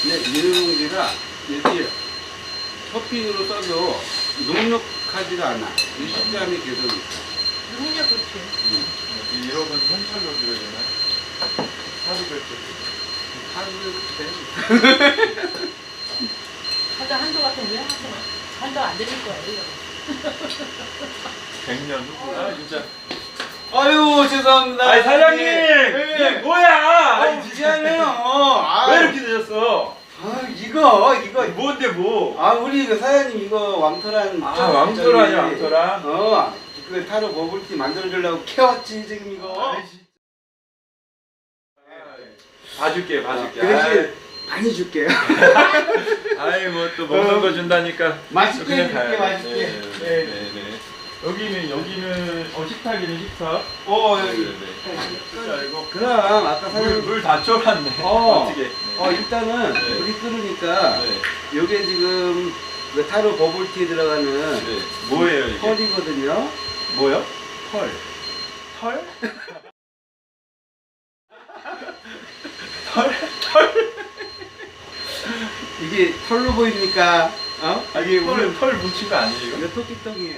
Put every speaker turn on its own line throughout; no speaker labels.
근데 비닐봉지가 이렇게 토핑으로 써도 눅눅하지가 않아. 이 식감이 계속 있어.
능력 그렇지.
이런 건 현찰로 드려야 되나요? 하루 될 때.
하루 때.
하다 한도 같은 왜 하세요? 한도 안 드릴 거예요, 이거.
100년 후. 아, 진짜.
아유, 죄송합니다.
아니, 사장님!
네.
이게 뭐야!
아니, 미안해요.
왜 이렇게 되셨어?
이거.
뭔데, 뭐?
우리 그 사장님 이거 왕토란.
왕토란이야, 왕토란.
그 타로 버블티 만들어주려고 캐왔지, 지금 이거.
봐줄게.
그래서 많이 줄게요.
아이, 뭐 또 먹는 거 준다니까.
맛있게
그냥
해줄게,
가요.
맛있게.
네. 여기는 식탁이네, 식탁.
여기.
자, 이거.
그럼, 아까 사장님.
물 다 쫄았네. 어떻게.
일단은,
네.
물이 끓으니까,
네.
요게 지금, 그 타로 버블티에 들어가는
네. 뭐예요, 이게?
펄이거든요.
뭐요?
펄.
털?
이게 털로 보입니까?
이게 오늘 털 뭉친 거 아니에요?
이거 토끼똥이에요.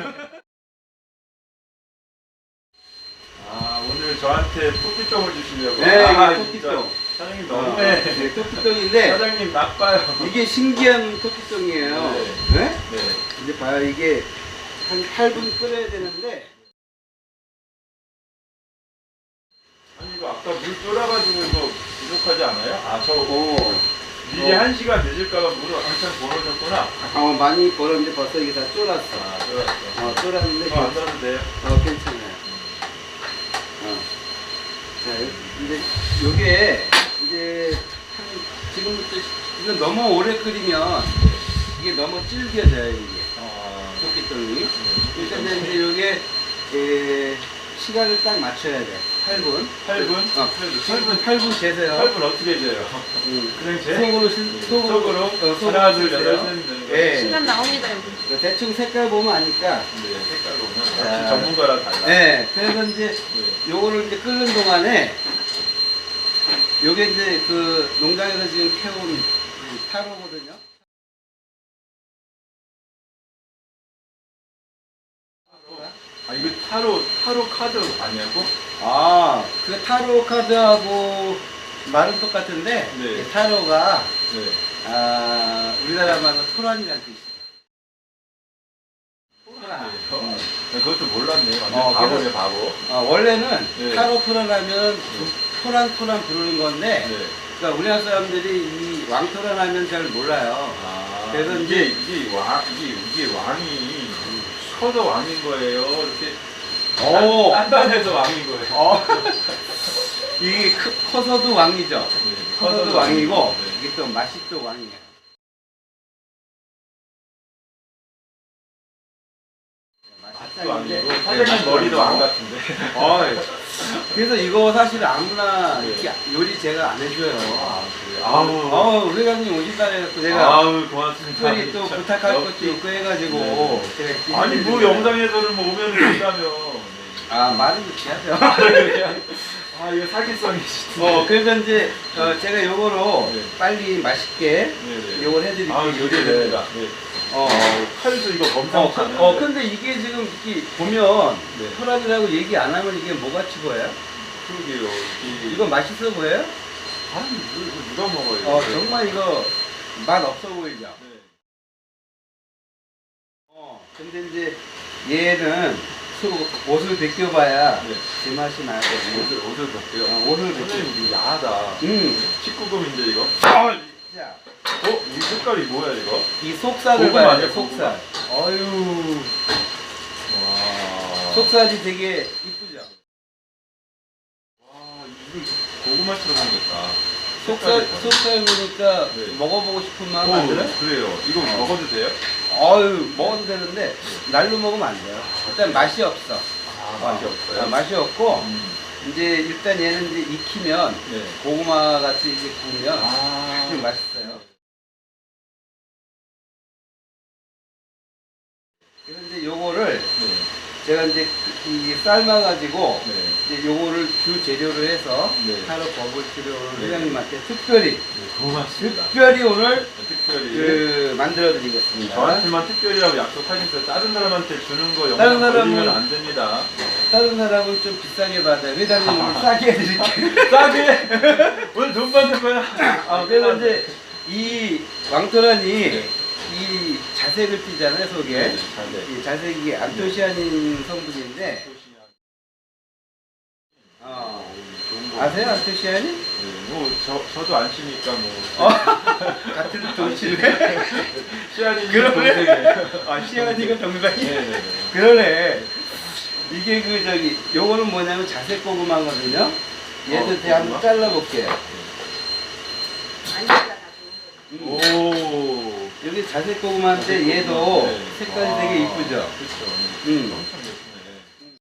오늘 저한테 토끼똥을 주시려고.
네, 이게
진짜.
토끼똥.
사장님 너무해.
네, 토끼똥인데,
사장님 나빠요.
이게 신기한 토끼똥이에요. 네?
네.
이제 봐요. 이게 한 8분 끓여야 되는데,
아니 이거 아까 물 쫄아가지고 이거 부족하지 않아요? 미리
어.
1시간 늦을까봐 물을 한참 벌어졌구나.
많이 벌었는데 벌써 이게 다 쫄았어.
쫄았어.
쫄았는데,
안 넣어도 돼요?
괜찮아요. 자, 이제 요게 이제 지금부터 이거 너무 오래 끓이면 이게 너무 질겨져요, 이게. 토끼똥이. 일단 이제 요게 시간을 딱 맞춰야 돼. 8분.
8분?
8분 재세요.
8분 어떻게 재요? 그냥 재?
속으로
하나, 둘,
재세요.
여덟, 셋 되는 거예요?
예.
시간 나옵니다, 여기.
대충 색깔 보면 아니까.
네, 색깔 보면
자.
역시 전문가라 달라.
네. 그래서 이제
네.
요거를 이제 끓는 동안에 요게 이제 그 농장에서 지금 캐온 타로거든요.
이거 타로 카드 아니냐고?
그 타로 카드하고 말은 똑같은데
네.
이 타로가
네.
우리나라 말로 토란이라는 뜻이에요. 토란.
그것도 몰랐네. 완전 바보네, 바보.
원래는
네.
타로 토란하면 토란 부르는 건데,
네.
그러니까 우리나라 사람들이 이 왕토란 하면 잘 몰라요. 그래서
이게 왕이 커서 왕인 거예요. 이렇게 단단해서 왕인 거예요.
이게 커서도 왕이죠.
네,
커서도 왕이고,
네.
이게 또 맛이 또 왕이에요.
맛도 아니고 사장님 머리도 왕 같은데.
그래서 이거 사실 아무나
네.
이렇게 요리 제가 안 해줘요.
그래요?
우리 회장님 오신다 해서 제가
고맙습니다.
특별히 또
진짜.
부탁할
역시.
것도 있고 해가지고
네.
제가
아니 뭐 영상에서는 뭐 오면 된다며.
말은 그렇게 하죠.
이거 사기성이 진짜.
그래서 이제 제가 요거로
네.
빨리 맛있게
네네.
요걸 해드릴게요.
요리됩니다. 네. 칼도 이거 범상치 않은데.
근데 이게 지금 이렇게 보면
네.
토란이라고 얘기 안 하면 이게 뭐같이 보여요?
그러게요.
이거 맛있어 보여요?
이거 누가 먹어요?
정말 이거 맛 없어 보이죠?
네.
근데 이제 얘는 옷을 벗겨봐야
네.
제맛이 나거든요.
옷을 벗겨요.
옷을 벗겨.
선생님 이거 야하다. 19금인데 이거?
자,
이 색깔이 뭐야 이거?
이 속살을
고구마
봐야
아니야,
돼, 속살. 어유,
와.
속살이 되게 이쁘죠?
와, 이거 고구마처럼 생겼다.
속살 보니까
네.
먹어보고 싶은 마음 안 들어요?
그래요. 이거 먹어도 돼요?
먹어도 되는데 날로 먹으면 안 돼요. 일단 맛이 없어.
맛이 없어요?
맛이 없고
음.
이제 일단 얘는 이제 익히면
네.
고구마 같이 이제 구우면 아주 맛있어요. 그래서 이제 요거를
네.
제가 이제
이 삶아가지고
네.
이제 요거를 주 재료로 해서
네.
하루 버블 치료를
네.
회장님한테 특별히
네, 고맙습니다.
특별히 오늘
특별히
그 만들어 드리겠습니다.
저한테만 특별히라고 약속하셨어요. 다른 사람한테 주는 거
다른
영상
사람은-
올리면 안 됩니다.
다른 사람은 좀 비싸게 받아요. 회장님 오늘 싸게 해드릴게요.
싸게 오늘 돈 받는 거야.
그래서 이제 이 왕토란이
네.
이 자색을 띠잖아요, 속에.
네, 자색.
이 자색이 안토시아닌 성분인데,
좋은 거.
아세요, 안토시아닌?
네, 뭐 저도 안 치니까 뭐.
같은 동시네?
시안이
그러네.
동생이에요.
시아니가 정상이?
네네네.
그러네. 이게 그, 요거는 뭐냐면 자색 고구마거든요. 얘도 제가 한번
고구마?
잘라볼게요.
안 잘라
오.
여기 자색 고구마인데 얘도
네.
색깔이
아,
되게 이쁘죠?
그쵸. 엄청 예쁘네.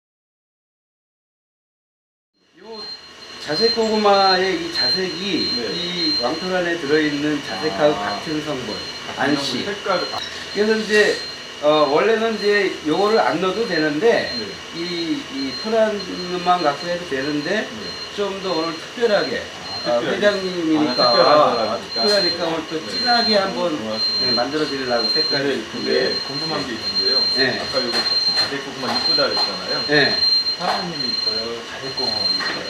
요 자색 고구마의 이 자색이
네.
이 왕토란에 들어있는 자색하고 같은 성분, 안씨.
색깔.
그래서 이제 원래는 이제 요거를 안 넣어도 되는데
네.
이 토란만 갖고 해도 되는데
네.
좀 더 오늘 특별하게
특별하게.
회장님이니까
특별하니까.
특별하니까 오늘 또
네.
진하게 한번
고맙습니다.
만들어 드리려고 색깔을
근데
이쁘게.
궁금한 게 있는데요.
네.
아까 요거 자색고구마 이쁘다 그랬잖아요.
네.
사장님이 있어요. 자색고구마 있어요.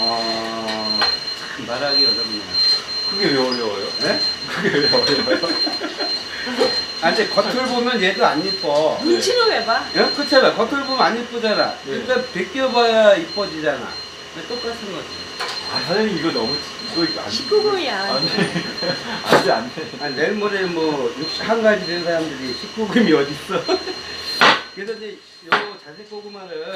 참 말하기 어렵네요.
그게 왜 어려워요?
네?
그게 왜 어려워요?
아, 이제 겉을 보면 얘도 안 이뻐.
눈치는 왜 봐?
예? 그렇잖아. 겉을 보면 안 이쁘잖아.
네.
일단 벗겨봐야 이뻐지잖아. 똑같은 거지.
아 사장님 이거 너무 이거 안
19금이야.
안돼.
아니, 내일 모레 뭐 61가지 된 사람들이 19금이 어딨어. 그래서 이제 요 자색 고구마를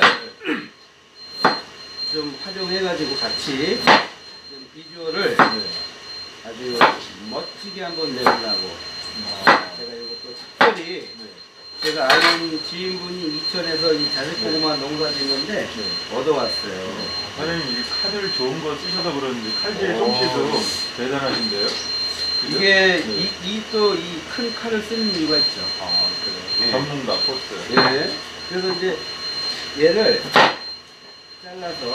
좀 활용해가지고 같이 좀 비주얼을 아주 멋지게 한번 내보려고 제가 이것도 특별히 제가 아는 지인분이 이천에서 이 자색 고구마 농사 짓는데 얻어왔어요.
사장님 이게 칼을 좋은 거 쓰셔서 그러는데 칼질
오.
솜씨도 대단하신데요. 그죠?
이게
네.
또 이 큰 칼을 쓰는 이유가 있죠.
아 그래요.
네.
전문가 포스.
예. 그래서 이제 얘를 잘라서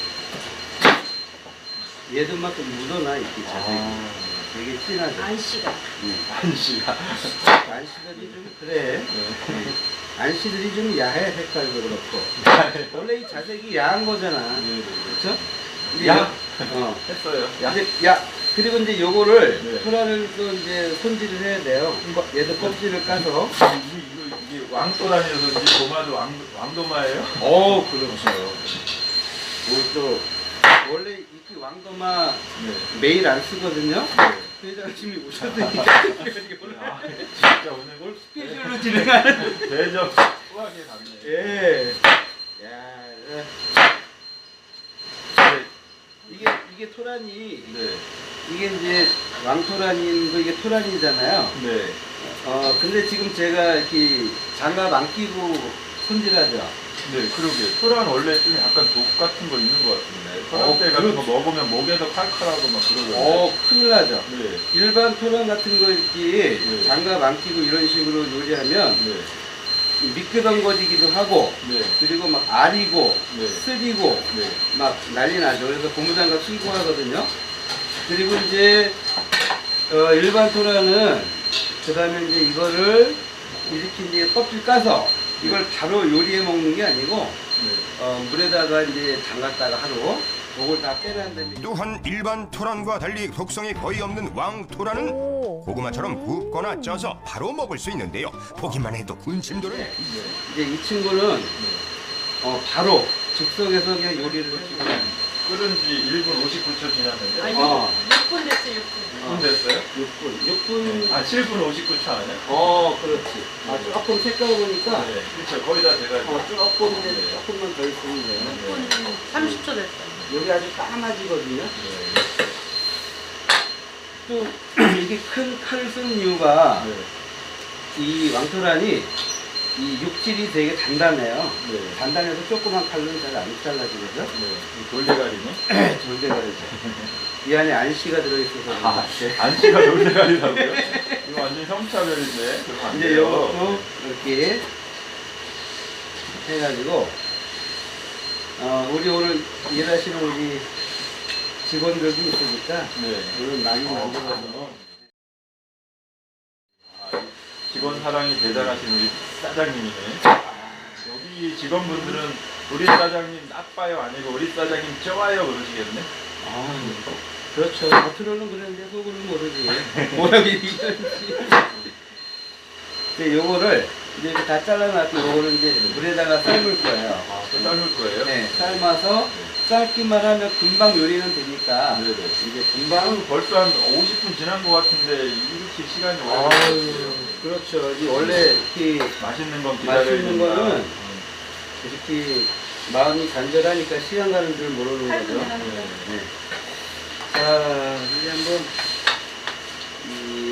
얘도 막 좀 묻어놔 이렇게 자색이. 되게 진하죠.
안씨가.
한시가.
안씨들이 좀 그래.
네.
안씨들이 좀 야해 색깔도 그렇고. 원래 이 자색이 야한 거잖아.
네.
그렇죠?
야?
했어요.
야?
그리고 이제 요거를
네.
토란을 또 이제 손질을 해야 돼요. 얘도 껍질을 까서.
이게 왕도라니어서인지 도마도 왕도마예요?
그렇죠. 또 원래 이렇게 왕도마
네.
매일 안 쓰거든요. 회장님이 오셨으니까 오늘
아, 진짜 오늘
스케줄로 진행하는.
대접 후하게 갔네.
예. 야, 이게 토란이
네.
이게 이제 왕토란인도 이게 토란이잖아요.
네.
근데 지금 제가 이렇게 장갑 안 끼고 손질하죠.
네, 그러게. 토란 원래 좀 약간 독 같은 거 있는 것 같은데. 토란대 같은 거 먹으면 목에서 칼칼하고 막 그러던데.
큰일 나죠.
네.
일반 토란 같은 거 이렇게
네.
장갑 안 끼고 이런 식으로 요리하면
네.
미끄덩거리기도 하고
네.
그리고 막 아리고
네.
쓰리고
네.
막 난리 나죠. 그래서 고무장갑 끼고 하거든요. 그리고 이제 일반 토란은 그 다음에 이제 이거를 이렇게 이제 껍질 까서 이걸 바로 요리해 먹는 게 아니고 물에다가 이제 담갔다가 하루 그걸 다 빼낸 다음에
또한 일반 토란과 달리 독성이 거의 없는 왕토란은 고구마처럼 굽거나 쪄서 바로 먹을 수 있는데요. 보기만 해도 군침도는
이제 이 친구는 바로 즉석에서 그냥 요리를 해주고
끓은 지 1분 59초 지났는데.
아니,
어.
6분 됐어, 6분.
6분 됐어요?
6분
아, 7분 59초 아니야?
그렇지. 조금 색깔 보니까
네. 그렇죠. 거의 다 돼가지고.
조금 이제 조금만 더 있으면 돼요.
6분 30초 됐어.
여기 아주 까마지거든요.
네.
또 이게 큰 칼을 쓰는 이유가
네.
이 왕토란이 이 육질이 되게 단단해요.
네.
단단해서 조그만 칼로는 잘 안 잘라지거든요.
네. 이 돌대가리네?
돌대가리죠. 이 안에 안씨가 들어있어서
안씨가 돌대가리라고요? 이거 완전 성차별인데. 그러면 안
이제
돼요.
요것도 이렇게 해가지고 우리 오늘 일하시는 우리 직원들도 있으니까
네.
오늘 많이 만들어서
직원 사랑이 대단하신 우리 사장님이네. 여기 직원분들은 우리 사장님 나빠요 아니고 우리 사장님 좋아요 그러시겠네.
그렇죠. 겉으로는 그랬는데 속으로는 모르지. 뭐라고 얘기하는지. 이제 요거를 이제 이렇게 다 잘라놨고 요거를 이제 물에다가 삶을 거예요.
또 삶을 거예요?
네, 삶아서 삶기만 하면 금방 요리는 되니까
네네.
이제 금방
벌써 한 50분 지난 것 같은데 이렇게 시간이 오래
아유,
걸렸어요.
그렇죠. 이 원래 이렇게
맛있는 건 기다려야
맛있는
된다.
거는 이렇게 마음이 간절하니까 시간 가는 줄 모르는 거죠. 네. 자, 이제 한번 이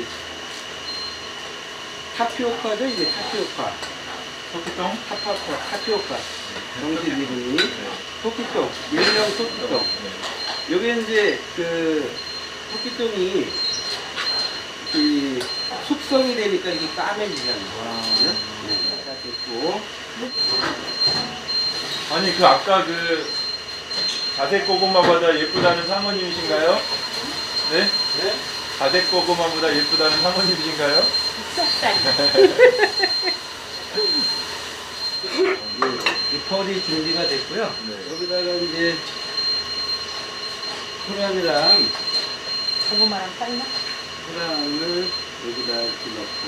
타피오카죠, 이제 타피오카.
토끼똥?
타피오카. 정식 이름이 토끼똥, 일명 토끼똥.
네.
요게 이제 그 토끼똥이 이 숙성이 되니까 이게 까매지잖아요. 네, 다 됐고.
아니 그 아까 그 자색 고구마보다 예쁘다는 사모님이신가요? 네?
네?
자색 고구마보다 예쁘다는 사모님이신가요?
이 펄이 준비가 됐고요.
네.
여기다가 이제 토란이랑
고구마랑 삶나?
토란을 여기다 이렇게 넣고